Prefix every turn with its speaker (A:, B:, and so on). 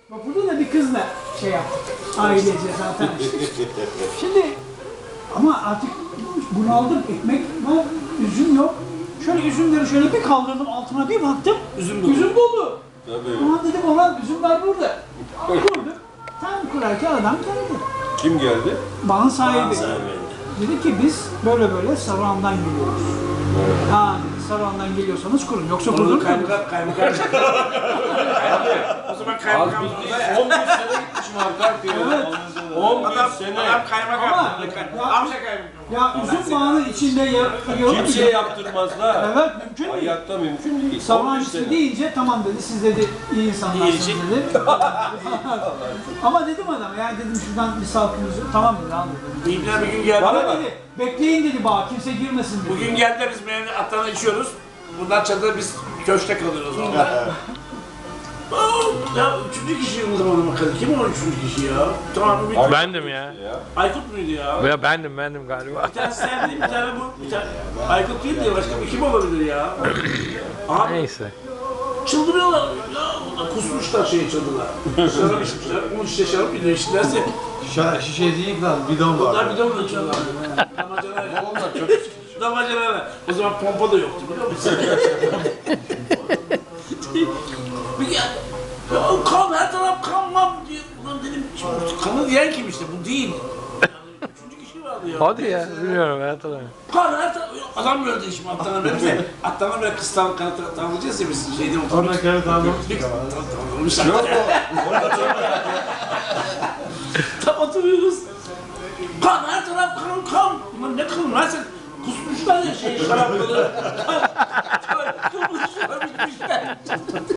A: Vapurda da bir kızla şey yaptık. Ailece zaten. Şimdi ama artık bunaldım. Ekmek var, üzüm yok. Şöyle üzümleri şöyle bir kaldırdım, altına bir baktım.
B: Üzüm dolu.
A: Üzüm dolu.
C: Tabii.
A: Ulan dedim olan üzümler burada. Kurduk. Tam kurarken adam geldi.
C: Kim geldi?
A: Bağın sahibi.
B: Sahibi.
A: Dedi ki biz böyle böyle Saruhan'dan geliyoruz. Ha dedi, Saruhan'dan geliyorsanız kurun. Yoksa
B: Onu
A: kurulur mu?
B: kaymakam. O zaman
C: Az
B: kaymakam.
C: bildiğin 11 sene gitmişim arkadaş diyor.
A: Evet.
C: 11 sene.
B: Adam kaymakam.
A: Ama-
B: Amca kaymakam.
A: Ya üzüm bağının içinde yarıyor.
C: Kimseye yaptırmazlar.
A: Evet, mümkün değil.
C: Hayatta mümkün değil.
A: Saruhan
C: 11
A: işte
C: sene.
A: deyince tamam dedi, siz dedi iyi insanlarsınız
B: İyi için.
A: dedi. Ama dedim adama, yani dedim şuradan bir salkımızı, tamam dedi, al dedi.
B: İbne bir gün geldi.
A: Bana dedi, bekleyin dedi bağ, kimse girmesin dedi.
B: Bugün geldiler biz meyve atlarına içiyoruz. Bundan çadırda biz köşkte kalıyoruz orada. Ya üçüncü kişi o zaman bakalım. Kim o üçüncü kişi ya? Tamam bir
D: Bendim ya.
B: Aykut muydu ya?
D: Ya bendim galiba.
B: Bir tane sen değil, bir tane bu. Bir tane Aykut değil diye başka bir kim olabilir ya? Abi
D: Neyse.
B: çıldırıyorlar ya. Onlar kusmuşlar şeye çadırlar. Şarap içmişler. 10 şişe şarap bile içtilerse.
E: Şişe değil lan, bidon var.
B: Onlar bir de onu içiyorlar. Damacanayla.
C: Onlar çok
B: Damacanayla. O zaman pompa da yoktu biliyor musun? Bir gel. Ya kan her taraf kan var diye. Ulan dedim kanı diyen kim işte bu değil. Yani üçüncü kişi vardı ya.
D: Hadi ya, bilmiyorum ben hatırlamıyorum.
B: Kan her taraf. Adam gördü şimdi atlarına böyle. Atlarına böyle kız tanıyacağız ya biz şeyde oturuyoruz.
E: Sonra kere tanımıştık ama.
C: Yok o.
B: Tam oturuyoruz. Kan her taraf kan. Ulan ne kan lan sen? Kusmuşlar ya şey şarapları. Kan. Kırmızı şarap içmişler.